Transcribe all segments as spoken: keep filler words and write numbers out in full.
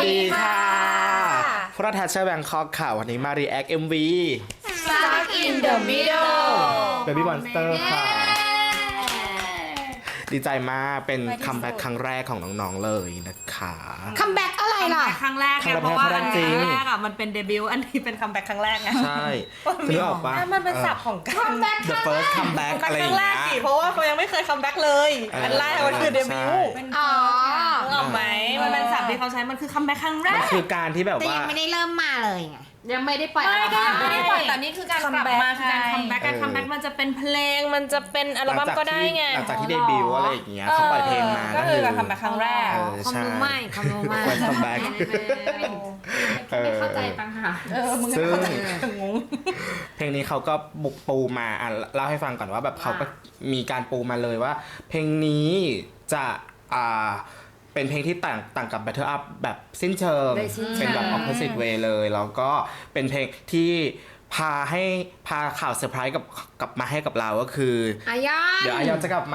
ดีค่ะพวกเราแทชเชอร์แบงคอกค่ะวันนี้มารีแอค เอ็ม วี Stuck in the middle Baby Monster ค่ะดีใจมากเป็นคัมแบ็กครั้งแรกของน้องๆเลยนะคะคัมแบ็กอะไรล่ะครั้งแรกไงเพราะว่าอันแรกอ่ะมันเป็นเดบิวต์อันนี้เป็นคัมแบ็กครั้งแรกไงใช่คือออกปะมันเป็นศัพท์ของการ The first comeback อะไรอย่างเงี้ยเพราะว่าเขายังไม่เคยคัมแบ็กเลยอันแรกมันคือเดบิวต์อ๋อออกไหมมันเป็นศัพท์ที่เขาใช้มันคือคัมแบ็กครั้งแรกมันคือการที่แบบว่าแต่ยังไม่ได้เริ่มมาเลยไงยังไม่ได้ปล่อยไม่ได้ยังไม่ได้ปล่อยแต่นี่คือการกลับมาคือการคัมแบ็กการคัมแบ็กมันจะเป็นเพลงมันจะเป็นอัลบั้มก็ได้ไงหลังจากที่เดบิวต์อะไรอย่างเงี้ยเขาปล่อยเพลงมาก็คือการคัมแบ็กครั้งแรกความรู้ใหม่ความรู้ใหม่คัมแบ็กไม่เข้าใจปัญหาซึ่งเพลงนี้เขาก็บุกปูมาอ่ะเล่าให้ฟังก่อนว่าแบบเขาก็มีการปูมาเลยว่าเพลงนี้จะอ่าเป็นเพลงที่ต่างต่างกับ Battle Up แบบสิ้นเชิงเป็นแบบ opposite way เลยแล้วก็เป็นเพลงที่พาให้พาข่าวเซอร์ไพรส์กับกลับมาให้กับเราก็คืออายอนเดี๋ยวอายอนจะกลับมา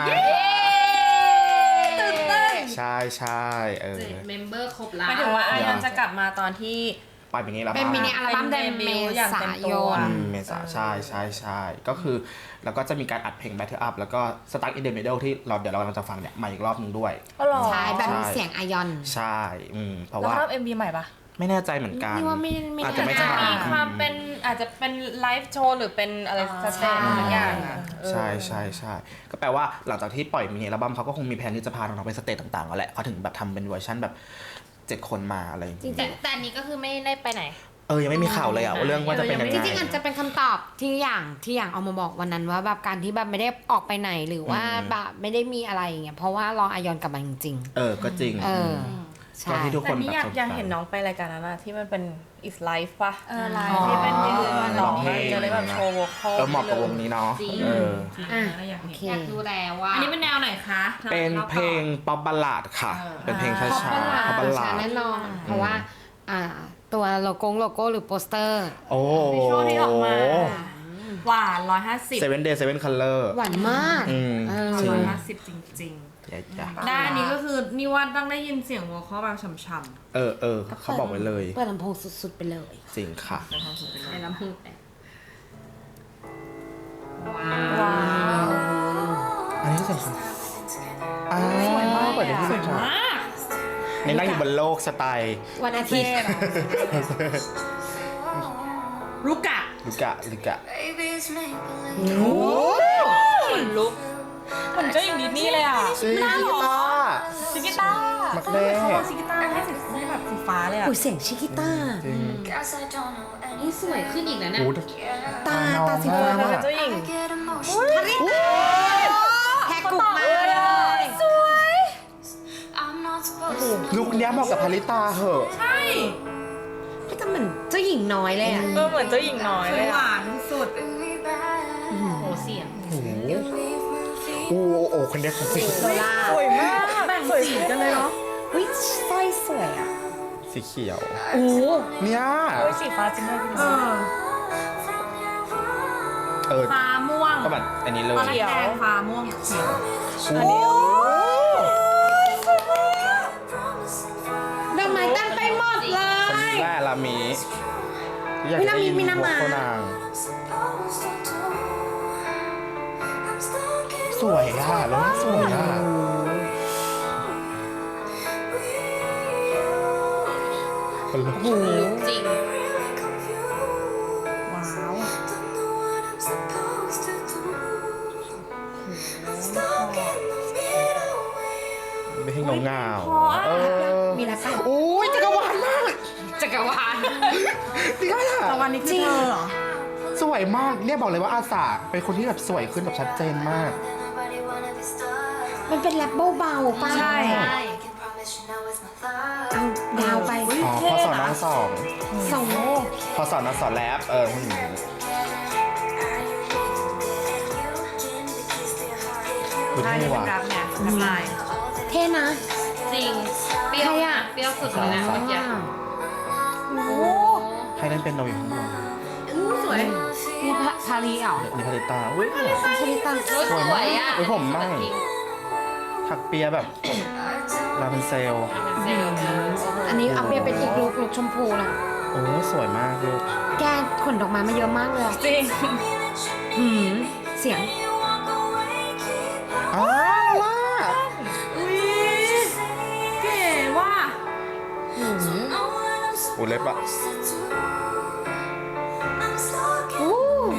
ตื่นเต้นใช่ใช่เออเมมเบอร์ครบแล้วหมายถึงว่าอายอนจะกลับมาตอนที่ปล่อยเพลงนี้แล้วเป็นมินิอัลบั้มเดือนเมษายนเมษาใช่ใช่ใช่ก็คือแล้วก็จะมีการอัดเพลง Battle Up แล้วก็ Stuck in the Middle ที่เราเดี๋ยวเรากำลังจะฟังเนี่ยมาอีกรอบนึงด้วยใช่แบบเสียงอายอนใช่อืมเพราะว่าแล้วรอบ เอ็ม วี ใหม่ปะไม่แน่ใจเหมือนกันนี่ว่าไม่อาจจะไม่ใช่มีความเป็นอาจจะเป็นไลฟ์โชว์หรือเป็นอะไรสเตจบางอย่างใช่ใช่ใช่ก็แปลว่าหลังจากที่ปล่อยมินิอัลบั้มเขาก็คงมีแผนที่จะพาน้องๆไปสเตจต่างๆแล้วแหละเขาถึงแบบทำเป็นเวอร์ชันแบบเจ็ดคนมาอะไรอย่างเงี้ยแต่อันนี้ก็คือไม่ได้ไปไหนเออยังไม่มีข่าวเลยอ่ะว่าเรื่องว่าจะเป็นยังไงจริงๆอาจจะเป็นคำตอบที่อย่างที่อย่างเอามาบอกวันนั้นว่าแบบการที่แบบไม่ได้ออกไปไหนหรือว่าแบบไม่ได้มีอะไรอย่างเงี้ยเพราะว่ารออายอนกลับมาจริงๆเออก็จริงเออใช่ที่ทุกคนแบบอยากอยากเห็นน้องไปรายการนั้นนะที่มันเป็น is life ป่ะเออไลฟ์ที่เป็นยืนร้องเพลงจะได้แบบโชว์วอคอลเออเหมาะกับวงนี้เนาะเอออ่ะอยากดูแล้วว่าอันนี้เป็นแนวไหนคะเป็นเพลงป๊อปบัลลาดค่ะเป็นเพลงช้าๆป๊อปบัลลาดแน่นอนเพราะว่าอ่าตัวโลโก้โลโก้หรือโปสเตอร์โอ้วิชวลที่ออกมาหวานร้อยห้าสิบ Seven Day Seven Color หวานมากร้อยห้าสิบจริงๆด้านนี้ก็คือนี่ว่าต้องได้ยินเสียงวอลคอลแบบช่ำๆเออเออเขาบอกไว้เลยเปิดลำโพงสุดๆไปเลยจริงค่ะในลำโพงว้าวอันนี้สวยอ้าวสวยมากเปิดได้ที่สวยมากในนั่งอยู่บนโลกสไตล์วันอาทิตย์ลูกะลูกะลูกะโอ้ขนลุกเหมือนเจ้าหญิงดิสนีย์เลยอ่ะซิกิต้าซิกิต้ามักเล่ซิกิต้าให้ให้แบบสีฟ้าเลยอ่ะเสียงชิกิต้านี่สวยขึ้นอีกแล้วเนี่ยตาตาสีฟ้าเป็นเจ้าหญิงทาริต้าแฮกกุกมาเลยสวยลุคนี้เหมาะกับพาริตาเหอะใช่พี่ก็เหมือนเจ้าหญิงน้อยเลยอ่ะเออเหมือนเจ้าหญิงน้อยเลยหวานสุดโอ้โหเสียงโอ้โหโอ้คนนี้เขาสิโซล่าสวยมากแบ่งสีกันเลยเนาะเฮ้ยสร้อยสวยอ่ะสีเขียวโอ้เนี่ยเฮ้ยสีฟ้าจริงด้วยเออเออฟ้าม่วงก็แบบอันนี้เลยเขียวฟ้าม่วงเขียวอันนี้ดอกไม้เต็มไปหมดเลยคนนี้แหละลามีมีน้ำมีมีน้ำมาสวยอ่ะแล้วสวยอ่ะโอ้โหจริงว้าวไม่ให้เงาเงาเออมีแล้วป่ะโอ้ยจักรวาลมากจักรวาลนี่ก็จักรวาลนี้คือเธอเหรอสวยมากเนี่ยบอกเลยว่าอาสาเป็นคนที่แบบสวยขึ้นแบบชัดเจนมากมันเป็นแรปเบาๆป่ะใช่เอาดาวไปอ๋อพอสอนน้องสองสองพอสอนน้องสอนแรปเออคุณหนูใช่เป็นรับเนี่ยรับลายเท่นะจริงเปรี้ยวอ่ะเปรี้ยวสุดเลยนะเมื่อกี้โอ้ใครเล่นเป็นโนอยู่ข้างบนสวยนี่พารีเหรอนี่พาริตาอุ้ยพาริตาสวยอ่ะอุ้ยผมไม่ถักเปียแบบลาเป็นเซลเซลล์อันนี้เอาเปลี่ยนเป็นอีกลุกลุกชมพูละโอ้สวยมากลูกแกขนดอกไม้มาเยอะมากเลยอะจริงหืมเสียงอ้าวล่ะอุ้ยเก๋ว่ะหืมโอ้เล็บอะอู้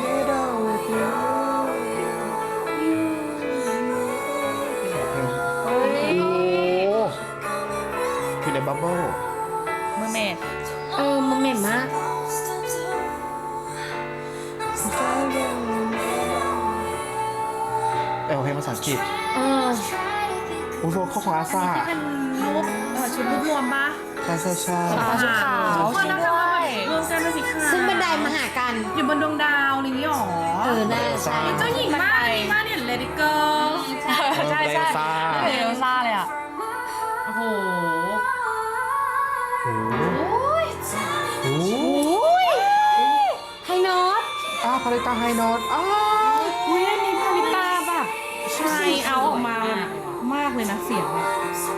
โอ้คือในบับเบิ้ลเมอร์เมดเออมันเหม็นมากเอลเพลงภาษาอังกฤษเออโอ้โหข้อของอาซาเป็นรูปเอ่อชุดรูปรวมปะใช่ใช่ใช่ชุดขาวคนนะคะรวมกันเป็นสีขาวซึ่งบันไดมาหากันอยู่บนดวงดาวอะไรอย่างนี้หรอเออน่าจะใช่เจ้าหญิงมากนี่มากเนี่ยเลดี้เกิร์ลใช่ใช่ซ่าเอลซ่าเลยอ่ะ โอ้โหโอ้โหโอ้โหไฮโน้ตอ้าวพาริตาไฮโนดอ้าวอุ้ยอันนี้พาริตาแบบชายเอาออกมาแบบมากเลยนะเสียงอะ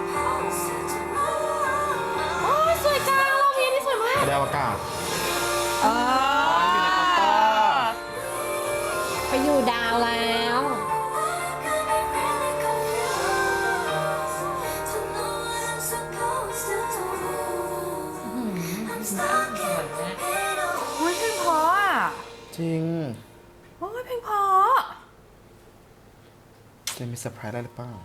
โอ้ยสวยจังรอบนี้นี่สวยมากแดวอากาศเออไปอยู่ดาวแล้วโอ้ยเพลงเพราะอ่ะจริงโอ้ยเพลงเพราะจะมีเซอร์ไพรส์อะไรหรือเปล่า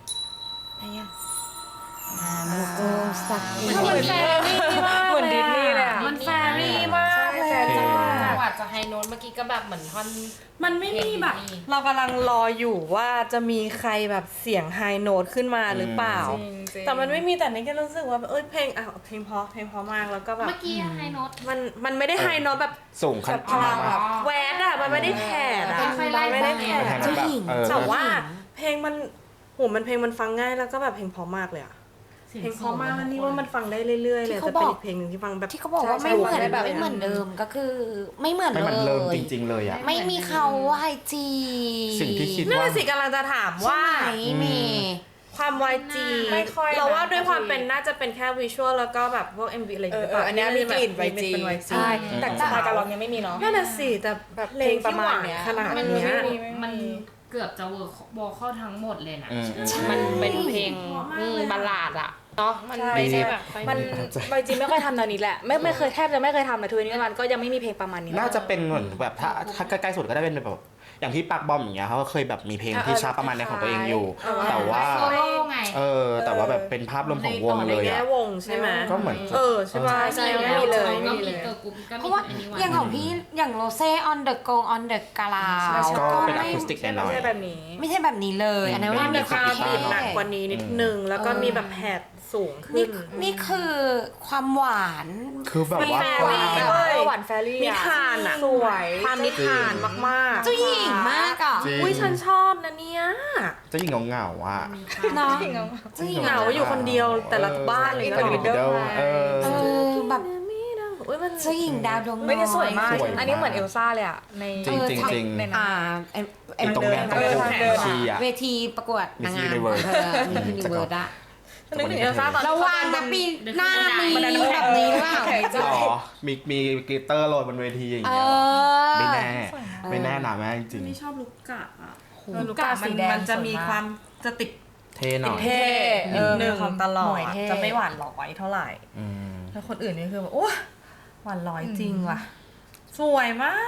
โอ้สักเหมือนแฟรี่มากเหมือนดิสนีย์เลยอ่ะมันแฟรี่มากเลยใช่อะใช่จังหวะจะไฮโน้ตเมื่อกี้ก็แบบเหมือนท่อนมันไม่มีแบบเรากำลังรออยู่ว่าจะมีใครแบบเสียงไฮโน้ตขึ้นมาหรือเปล่า แต่มันไม่มีแต่นี่ก็รู้สึกว่าเอ้ยเพลงอ่ะเพลงเพราะเพลงเพราะมากแล้วก็แบบเมื่อกี้ไฮโน้ตมันมันไม่ได้ไฮโน้ตแบบสูงขแบนาบดพลังนั้นแบบแวดอ่ะมันไม่ได้แผดอ่ะค่อยๆไล่ไม่ได้แผดแทนเจ้าแบบหญิงเออแต่ว่าเพลงมันโหมันเพลงมันฟังง่ายแล้วก็แบบเพลงเพราะมากเลยอ่ะเพลงเพราะมากแล้วนี่ว่ามันฟังได้เรื่อยๆเลยแต่เป็นอีกเพลงหนึ่งที่ฟังแบบที่เขาบอกว่าไม่เหมือนใช่ใช่ไม่เหมือนเดิมก็คือ ไม่เหมือนไม่เลเหมือนเริ่มยจริง ๆ เลยอ่ะไม่มีเขาไอจีสิ่งที่คิดนั่นว่าแหละสิกำลังจะถามว่าใช่ไหมเมย์ความ วาย จีไม่ค่อยนะเราว่าด้วยความเป็นน่าจะเป็นแค่วิชวลแล้วก็แบบพวก เอ็ม วี อะไรอย่างเงี้ยเออเอออันเนี้ยมีกลิ่นแบบวายจีเป็น วาย จีใช่อืมแต่สไตล์การร้องยังไม่มีเนาะนั่นน่ะสิแต่แบบเพลงที่หวานขนาดมันเนี้ยมันเกือบจะเวิร์ควอลเข้าทั้งหมดเลยนะอืมมันเป็นเพลงอืมบัลลาดอะเนาะมันไม่ใช่แบบมันประทับใจวายจีไม่ค่อยทำแนวนี้แหละ ไม่ไม่เคยแทบจะไม่เคยทำเลยทุกวันนี้มันก็ยังไม่มีเพลงประมาณนี้น่าจะเป็นเหมือนแบบถ้าถ้าใกล้ๆสุดก็ได้เป็นแบบอย่างที่ปักบอมอย่างเงี้ยเขาก็เคยแบบมีเพลงที่ช้าประมาณเนี้ยของตัวเองอยู่ แต่ว่าโซโล่ไงเออ แต่ว่าแบบเป็นภาพรวมของวงในเลยแง่อ่ะวงใช่ไหมก็เหมือนเออใช่ป่ะใช่ไม่มีเลยก็ไม่มีมีเลยเกิร์ลกรุ๊ปก็เพมีราะว่าอันนี้วันอย่างของพี่อย่างโรเซ่ on the go on the กาลาก็เป็นไม่อะคูสติกหน่อยไม่ใช่แบบนี้ไม่ใช่แบบนี้เลย อันนั้นอืมไม่มีมีความการเท่บีบหนักกว่านี้นิดนึงแล้วก็มีแบบแผดสูงขึ้นี่นนี่คือความหวานๆคือแบบว่าแฟกรี่ว้างเว้ยหวานแฟรี่นิทานอะสวยความนิทานมากๆเจ้าหญิงมากอ่ะจริงอุ้ยฉันชอบนะเนี่ยเจ้าหญิงเหงาๆอ่ะเนาะเจ้าหญิงเหงาอยู่คนเดียวแต่ละบ้านเลยเป็นเนาะวิดเดิลเออเออแบบอุ้ยมันเจ้าหญิงดาวดวงน้อยไม่ได้สวยมากสวยมากอันนี้เหมือนเอลซ่าเลยอะในจริงจริงเออจริงในนั้นอ่าเอ็มเอ็มตรงแดนตรงเออคู่ทางเดินทีอ่ะเวทีประกวดนางงาม Miss Universe เออมิสยูนิเวิร์สอะนึกถึงเอลซ่าตอนระวังนะปีหน้ามีแบบนี้หรือเปล่าหรอมีมีกลิตเตอร์โรยบนเวทีอย่างเอเงี้ยอไม่แน่ ไม่แน่หนาแม่จริงนี่ชอบลูกกะอ่ะลูลูกกกะกะสีมันแดงมันจะสวยมีมากความจะติดเท่หน่อยเท่เออหนึ่งของตลอหน่ดวยเท่จะไม่หวานหลอยเท่าไหร่อืมแล้วคนอื่นนี่คือแบบโอ้หวานร้อยจริงว่ะ สวยมาก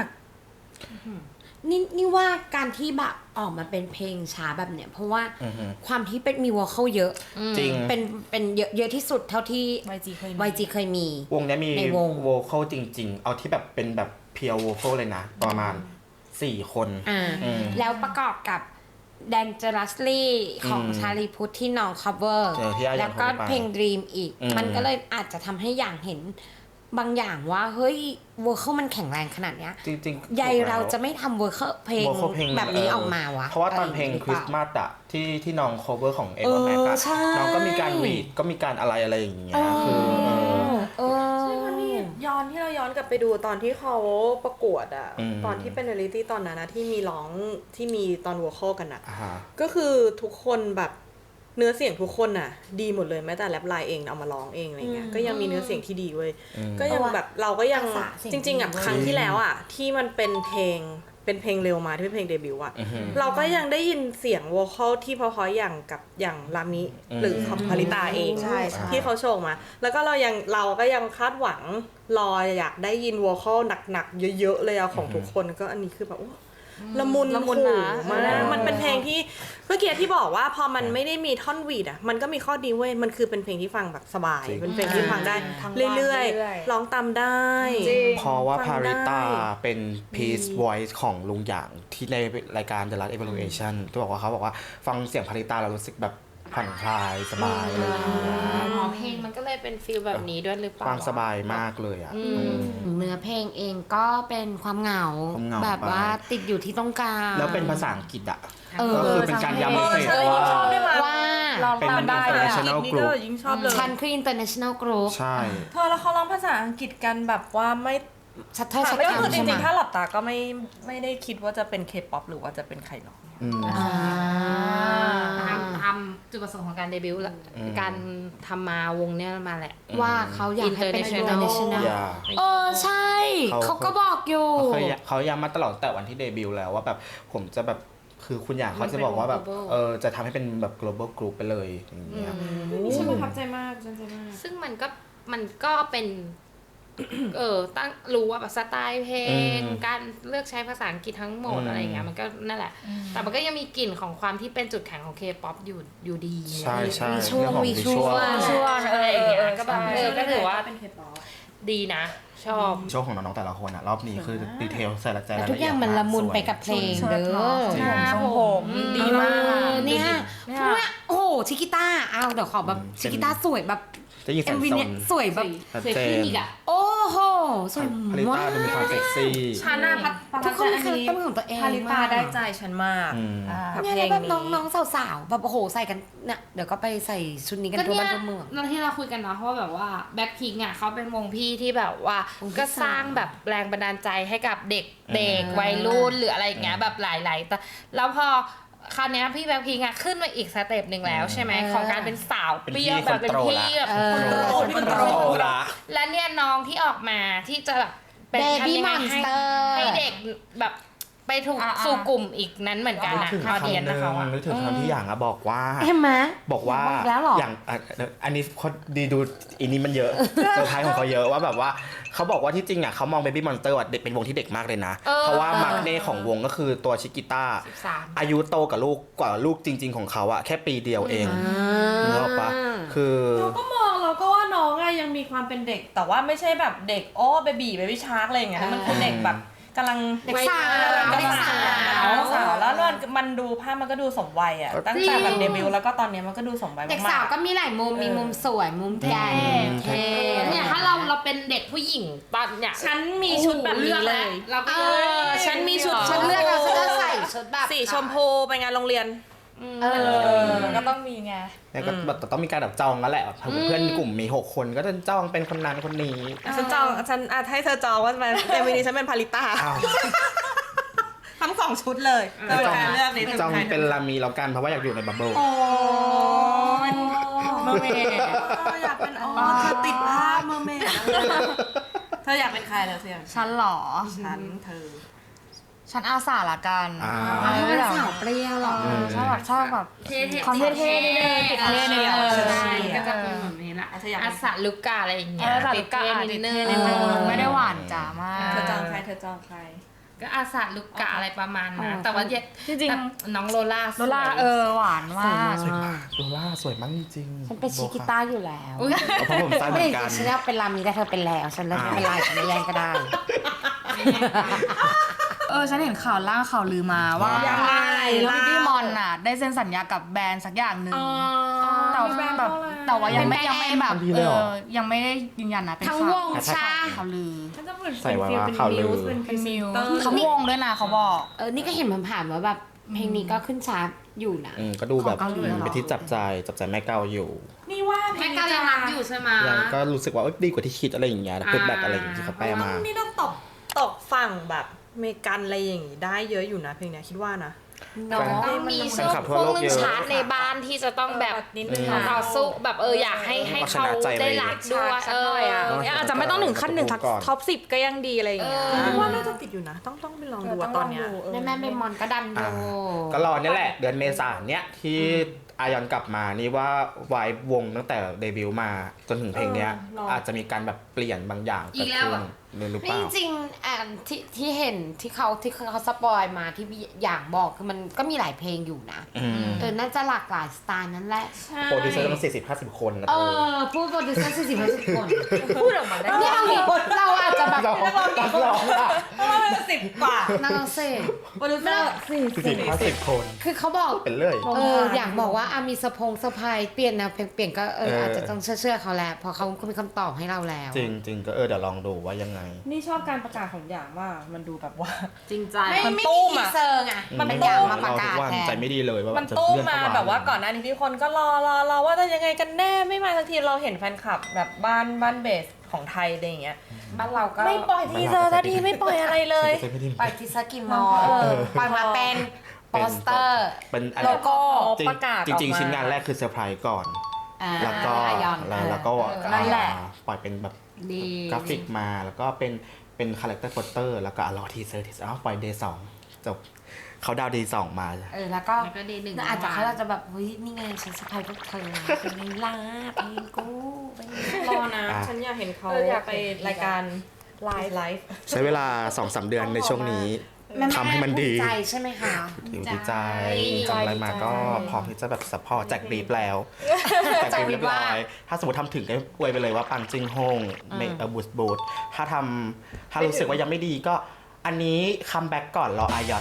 นี่นี่ว่าการที่แบบออกมาเป็นเพลงช้าแบบเนี้ยเพราะว่าอือฮึความที่เป็นมีวอลเข้าเยอะจริงเป็นเป็นเยอะเยอะที่สุดเท่าที่วายจีเคยมีวายจีเคยมีวงเนี้ยมีในวงโวคอลจริง ๆ เอาที่แบบเป็นแบบเพียวโวคอลเลยนะ ประมาณสี่คนอ่าอืมแล้วประกอบกับ Dangerously ของอืมชาลีพุทธที่น้อง cover เออที่อายันแล้วก็ cover ไปเพลง Dream อีกอืมมันก็เลยอาจจะทำให้อย่างเห็นบางอย่างว่า เฮ้ยวอลเข้ามันแข็งแรงขนาดเนี้ยจริงๆใยเราจะไม่ทำเวอร์เพลง vocal เพลงแบบนี้ออกมาวะเพราะว่าตอนเพลงะไย่คริสต์มาสอะที่ที่น้อง cover ของเอเอวอแม็กอะใช่น้องก็มีการรีดก็มีการอะไรอะไรอย่างเงี้ยเออคือเออเออใช่เพราะนี่ย้อนที่เราย้อนกลับไปดูตอนที่เขาประกวดอะอืมตอนที่เป็นเรลิตี้ตอนนั้นนะที่มีร้องที่มีตอนวอลคอลกันอะอ่าฮะก็คือทุกคนแบบเนื้อเสียงทุกคนน่ะดีหมดเลยแม้แต่แรปไลน์เองเอามาร้องเองอะไรเงี้ยก็ยังมีเนื้อเสียงที่ดีเว้ยก็ยังแบบเราก็ยังจริงๆอ่ะครั้งที่แล้วอ่ะที่มันเป็นเพลงเป็นเพลงเร็วมาที่เป็นเพลงเดบิวต์อ่ะเราก็ยังได้ยินเสียงวอคอลที่เพราะๆอย่างกับอย่างรามิหรือของพาริตาเองที่เขาโชว์มาแล้วก็เรายังเราก็ยังคาดหวังรออยากได้ยินวอคอลหนักๆเยอะๆเลยอะของทุกคนก็อันนี้คือแบบละมุนละมุนนะมากมันเป็นเพลงที่เมื่อกี้ที่บอกว่าพอมันไม่ได้มีท่อนวีดอ่ะมันก็มีข้อดีเว้ยมันคือเป็นเพลงที่ฟังแบบสบายเป็นเพลงที่ฟังได้เรื่อยๆร้องตามได้เพราะว่าฟัพาง ริตาได้เป็น Peace Voice ของลุงหยางที่ในรายการ The Last Evaluation ที่บอกว่าเขาบอกว่าฟังเสียงพาริตาเรารู้สึกแบบผ่อนคลายสบายอะไรอย่างเงี้ยอ๋อเพลงมันก็เลยเป็นฟีลแบบนี้ด้วยหรือเปล่าฟังสบายมากเลยอ่ะเนื้อเพลงเองก็เป็นความเหงาความเหงาแบบว่าไปติดอยู่ที่ต้องการแล้วเป็นภาษาอังกฤษอ่ะเออก็คือเป็นการย้ำเมสเซจว่าว่าลองตามได้เป็นเลย international นี่ group ก็ยิ่งชอบเลยคันคือ international group ใช่เธอแล้วเขาร้องภาษาอังกฤษกันแบบว่าไม่ชัดเท่าชัดก็คือจใช่ไหมริงๆถ้าหลับตาก็ไม่ไม่ได้คิดว่าจะเป็นเคป๊อปหรือว่าจะเป็นใครหรอกอืมอ่าตามตามจุดประสงค์ของการเดบิวต์แหละอืมการทำมาวงเนี้ยมาแหละว่าเขาอยากให้เป็น International international อย่าเออใช่เขาเขาก็บอกอยู่เขาเคยเขาย้ำมาตลอดแต่วันที่เดบิวต์แล้วว่าแบบผมจะแบบคือคุณอย่างเขาจะบอกว่าแบบ global เออจะทำให้เป็นแบบ global group ไปเลยอย่างเงี้ยนี่ฉันประทับใจมากฉันใจมากซึ่งมันก็มันก็เป็น เออตั้งรู้ว่าแบบสไตล์เพลงอืมการเลือกใช้ภาษาอังกฤษทั้งหมดอืมอะไรอย่างเงี้ยมันก็นั่นแหละ แต่มันก็ยังมีกลิ่นของความที่เป็นจุดแข็งของ K-pop อยู่อยู่ดีใช่ใช่มีช่วงเรื่องของมีช่วง visual ช่วงอะไรอย่างเงี้ยเออก็แบบใช่เออก็ถือว่าเป็นเคป๊อปดีนะ ชอบโชว์ของน้องๆแต่ละคนอ่ะรอบนี้คือดีเทลใส่ละใจแต่รายทุละกเอีอยดย่างมันละมุนสวยไปกับเพลงเด้อจริงหน้าผมดีมากเออเนี่ยเนี่ยพวกเนี้ยโอ้โหชิกิต้าเอาเดี๋ยวขอแบบอืมชิกิต้าสวยแบบจะยิงเอ็แสมงวีโซเนี่ยนสวยแบบชัดสวยเจขึ้นนอีกอ่ะโอ้โหสวยพาริมาต้าก ดูมีความเซ็กซี่ชาน่าพัดทุกคนมีคาแรคเตอร์ของตัวเองพาริตาได้ใจฉันมากอืมกับเนี่ยเพลแล้วงแบบนี้น้องๆสาวๆแบบโอ้โหใส่กันเนี่ยเดี๋ยวก็ไปใส่ชุดนี้กันก็ทั่วเนี่ยบ้านทั่วเมืองเราที่เราคุยกันเนาะเพราะว่าแบบว่าแบ็คพิงอ่ะเขาเป็นวงพี่ที่แบบว่าวงพี่ก็สร้างแบบแรงบันดาลใจให้กับเด็กเด็กวัยรุ่นหรืออะไรอย่างเงี้ยแบบหลายๆแต่แล้วพอคราวเนี้ยพี่แบ็คพิงอ่ะขึ้นมาอีกสเต็ปหนึ่งแล้วใช่ไหมของการเป็นสาวเป็นเปพี่รี้ยวแบบเป็นคนโตพี่ละแบบเออคนโตละและเนี่ยน้องที่ออกมาที่จะแบบเป็น Baby ทำยังไงให้ Monster ให้เด็กแบบไปถูกอ่าๆสู่กลุ่มอีกนั้นเหมือนกันนึกนะถึงออคำหเดียนนึ่นะงเขาอะนึกถึงคำที่อย่างอะบอกว่าเห็นไหมบอกว่าบอกแล้วเหรออย่างอ่ะอันนี้เขาดีดูอันนี้มันเยอะเซอร์ไพรส์ของเขาเยอะว่าแบบว่าเขาบอกว่าที่จริงอ่ะเขามอง Baby Monster อ่ะเด็กเป็นวงที่เด็กมากเลยนะเออเพราะว่ามาร์กเน่ของวงก็คือตัวชิกิต้าสิบสามอายุโตกับลูกกว่าลูกจริง ๆ ของเขาอะแค่ปีเดียวเองนึกออกปะคือเราก็มองเราก็ว่าน้องอะยังมีความเป็นเด็กแต่ว่าไม่ใช่แบบเด็กโอ้เบบีเบบี้ชาร์กอะไรอย่างเงี้ยมันคือเด็กแบบกำลังเด็กสาวกำลังเด็กสาวสาวแล้วมันมันดูภาพมันก็ดูสมวัยอ่ะตั้งแต่แบบเดบิวต์แล้วก็ตอนเนี้ยมันก็ดูสมวัยเด็กมาสาวกก็มีหลายมุม มีมุมสวย มุมแก่เท่เนี่ยถ้าเราเราเป็นเด็กผู้หญิงตอนเนี่ยๆฉันมีชุดแบบนี้เลยเราก็เออฉันมีชุดฉันเลือกแล้วฉันก็ใส่ชุดแบบสีชมพูไปงานโรงเรียนเออก็ต้องมีไงเนี่ยก็แบบต้องมีการแบบจองแล้วแหละแบบเพื่อนกลุ่มมีหกคนก็จะจองเป็นคนนั้นคนนี้ฉันจองฉันอาจให้เธอจองว่าเป็นเดวินี้ฉันเป็นพาริต้าอ้าวทั้งสองชุดเลยเธอจองการเลือกนี้จองเป็นลามีแล้วกันเพราะว่าอยากอยู่ในบับเบิ้ลโอ้ยเมอร์เมดอยากเป็นอ๋อเธอติดภาพเมอร์เมดเธออยากเป็นใครแล้วเสียงฉันเหรอฉันเธอฉันอาสาละกันอ่าไม่เป็นสาวเปรี้ยวหรอเออชอบแบบชอบแบบเท่ๆความเท่ๆนิดนึงติดเท่นิดนึงใช่ก็จะเป็นแบบนี้แหละเธออยากอัสสะลุกกาอะไรอย่างเอเงี้ยอสาลุกะเท่อ่ะๆนิติดดนึเท่งนิดนึงไม่ได้หวานจ๋ามากเธอจองใครเธอจองใครก็อาสะลุกกะอะไรประมาณนั้นอ๋อแต่ว่าจริงๆแต่น้องโลล่าโลล่าเออหวานมากสวยมากโลล่าสวยมากจริงๆฉันเป็นชิกิต้าอยู่แล้วอุ๊ยเพราะผมสั้นเหมือนกันฉันอยากเป็นลามีแต่เธอเป็นแล้ว ฉันเลิกเป็นลายฉันไม่แย่งก็ได้เออฉันเห็นข่าวล่างข่าวลือมาว่ายังไงแล้วเล่าพี่มอนน่ะ ได้เซ็นสัญญากับแบรนด์สักอย่างหนึ่งแต่ว่าแบบแต่ว่ายังไม่เป็นแบรนด์ยังไม่แบบดีเอเลยเหรออยังไม่ได้ยืนยันนะเป็นทั้งข่าววงชาข่าวลือฉันจะเหมือนใส่ไว้เป็นว่าเป็นข่าวลืมิอวส์เป็นพรีเป็นเซมินวเตอร์เขาวงด้วยนะเขาบอกเออ นี่ก็เห็นผ่านๆว่าแบบเพลงนี้ก็ขึ้นชาร์ตอยู่นะอืมก็ดูแบบของเกาหลีเหรอเป็นที่จับใจจับใจแม่เกาอยู่นี่ว่าเพลแม่งกายังรักอยู่ใช่ไหมยังก็รู้สึกว่าเอ้ยดีกว่าที่คิดอะไรอย่างเงี้ยฟีดแบ็กอะไรอย่างเงี้ยที่เขาแปลมานี่ต้องตกตกฝั่งแบบอเมริกันอะไรอย่างงี้ได้เยอะอยู่นะเพลงเนี้ยคิดว่านะเนาะแฟนมีแฟช่นวงคลับพทั่ววกโลกเรื่องเยอะชาร์จในบ้านที่จะต้องแบบนิดนึงอืมต่อสู้แบบเอออยากให้ให้เอาชเขานะใจได้ไว้รักด้วยสัเอกหน่อยออ่ะเอออาจจะไม่ต้องถึงขั้นหนึ่งก่อนท็อปสิบก็ยังดีอะไรอย่างเงี้ยเออว่าน่าจะติดอยู่นะ ต้องต้องไปลองดูอะตอนเนี้ยแม่แม่เบมอนก็ดันออ่ายู่ก็รอเนี่ยแหละ เดือนเมษายนเนี้ยที่อายอนกลับมานี่ว่าวายวงตั้งแต่เดบิวต์มาจนถึงเพลงเนี้ยเออรอออาจจะมีการแบบเปลี่ยนบางอย่างอีเกิดกแล้วขึ้เหรนอหรือเปนี่ล่าจริงๆอ่าที่ที่เห็นที่เขาที่เขาสปอยมาที่อย่างบอกคือมันก็มีหลายเพลงอยู่นะอืมเออน่าจะหลากหลายสไตล์นั่นแหละโปรดิวเซอร์ต้องสี่สิบห้าสิบคนนะเอเธออพูดโปรดิวเซอร์สี่สิบห้าสิบคนพูดออกมาได้เนี่ยเอางี้เราอาจจะแบบเราต้องร้องอ่ะสิบกว่านักร้องเซ่โปรดิวเซอร์สี่สี่สิบห้าสิบคนคือเขาบอกเป็นเรื่อยเอออย่างบอกว่าอามีสะพงสะพายเปลี่ยนแนวเพลงเปลี่ยนก็เออเออออาจจะต้องเชื่อๆเขาแหละเพราะเขาก็มีคำตอบให้เราแล้วจริงจริงๆก็เออเดี๋ยวลองดูว่ายังไงนี่ชอบการประกาศของอย่างมากมันดูแบบว่าจริงใจไม่มันไม่ตู้มีมทีอะเซอร์ไงมันเป็นอย่างมาประกาศทุกวันแทใจนไม่ดีเลยว่ามันจะตู้เลื่อนมาเข้แบบว่าก่อนหน้านี้ที่คนก็รอรอรอว่าจะยังไงกันแน่ไม่มาสักทีเราเห็นแฟนคลับแบบบ้านบ้านเบสของไทยอะไรอย่างเงี้ยบ้านเราก็ไม่ปล่อยทีเซอร์สักทีไม่ปล่อยอะไรเลยปล่อยทีสกิมมอลปล่อยมาเป็นโปสเตอร์เป็นอะไรโลโก้จริงประกาศจริงออกมาๆชิ้นงานแรกคือเซอร์ไพรส์ก่อนอ่าแล้วก็อายอนแล้วแล้วก็เออนั่นแหละอ่าปล่อยเป็นแบบดีกราฟิกมาแล้วก็เป็นเป็นคาแรคเตอร์โปสเตอร์แล้วก็อ่ะรอทีเซอร์ทีเซอร์อ้าวปล่อยเดย์สองจบเขาดาวเดย์สองมาเออแล้วก็แล้วก็ดีหนึ่งอาจจะเขาจะแบบเฮ้ยนี่ไงฉันสะพายพวกเธอเป็นไงล่ะเพลงกูเป็นไงรอนะอ่ะฉันอยากเห็นเขาเอออยากไปเห็นรายการไลฟ์ไลฟ์ใช้เวลาสองสามเดือนในช่วงนี้แม่ๆทำให้มันดีภูใจใช่ไหมคะดีดีใจทำอะไรมาก็พร้อมที่จะแบบสปอร์ตแจกบรีฟแล้วแจกบรีฟเรียบร้อยถ้าสมมติทำถึงก็อวยไปเลยว่าปังจึงโฮงเมเออบูสบูทถ้าทำถ้ารู้สึกว่ายังไม่ดีก็อันนี้คัมแบ็กก่อนรออายอน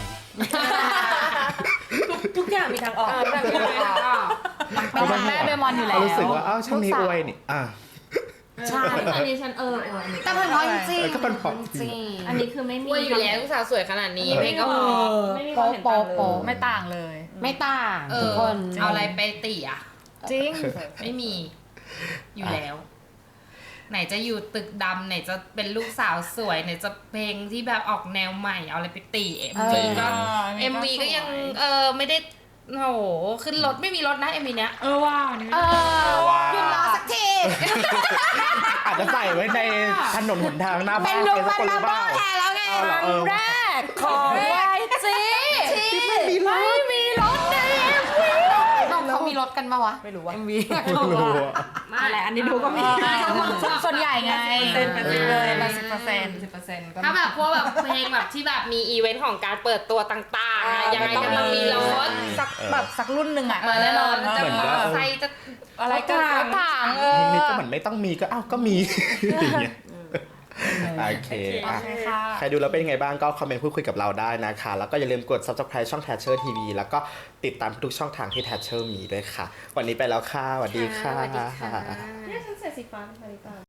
ทุกอย่างมีทางออกเป็นแม่เบมอนอยู่แล้วเขารู้สึกว่าอ้าวช่างนี้อวยนี่อ่ะใช่อันนี้ฉันเออเอออันนี้แต่เป็นเพราะจริงเออก็เป็นเพราะจริงอันนี้คือไม่มีอวยอยู่แล้วลูกสาวสวยขนาดนี้เพลงก็เอพออไม่มีความเห็นต่างเลยโป๊ะไม่ต่างเลยไม่ต่างเอทุกอคนเอาอะไรไปติอ่ะจริงไม่มีอยู่แล้ว ไหนจะอยู่ตึกดำไหนจะเป็นลูกสาวสวยไหนจะเพลงที่แบบออกแนวใหม่เอาอะไรไปตีเอ็มวีก็ เอ็มวีก็ยังเออไม่ได้โอ้โหขึ้นรถไม่มีรถนะเอ็มวีเนี้ยเออว่านี่เออว้าวหยุดรอสักทีอาจจะใส่ไว้ในถนนหนทางหน้าเป็บ้าน นลุงสัมันกคนหมารือเปโบ้ล่าแทนแล้วไงเอาเหรอเออแรกของวายจีที่ไม่มีรถไม่มีรถในเอ็มวีเขามีรถกันปะวะไม่รู้ว่าเอ็มวีไม่รู้อะอะไรอันนี้ดูก็มีส่วนใหญ่ไงเป็นไปเลยแปดสิบเปอร์เซ็นต์สิบเปอร์เซ็นต์ถ้าแบบพวกแบบเพลงแบบที่แบบมีอีเวนต์ของการเปิดตัวต่างๆอะยังไงก็ต้องมีรถสักแบบสักรุ่นหนึ่งอ่ะมาแน่นอนจะเหมือนมอว่าเตอร์ไซค์จะอะไรก็รถถังเอเพลงอนี้ก็เหมือนไม่ต้องมีก็อ้าวก็มีอย่างเงี้ยโอเคอ่ะค่ะใครดูแล้วเป็นยังไงบ้างก็คอมเมนต์พูดคุยกับเราได้นะคะ แล้วก็อย่าลืมกด Subscribe ช่อง Thatcher ที วี แล้วก็ติดตามทุกช่องทางที่ Thatcher มีด้วยค่ะ วันนี้ไปแล้วค่ะสวัสดีค่ะสวัสดีค่ะเนี่ยฉันใส่สีฟ้าเป็นนาฬิกา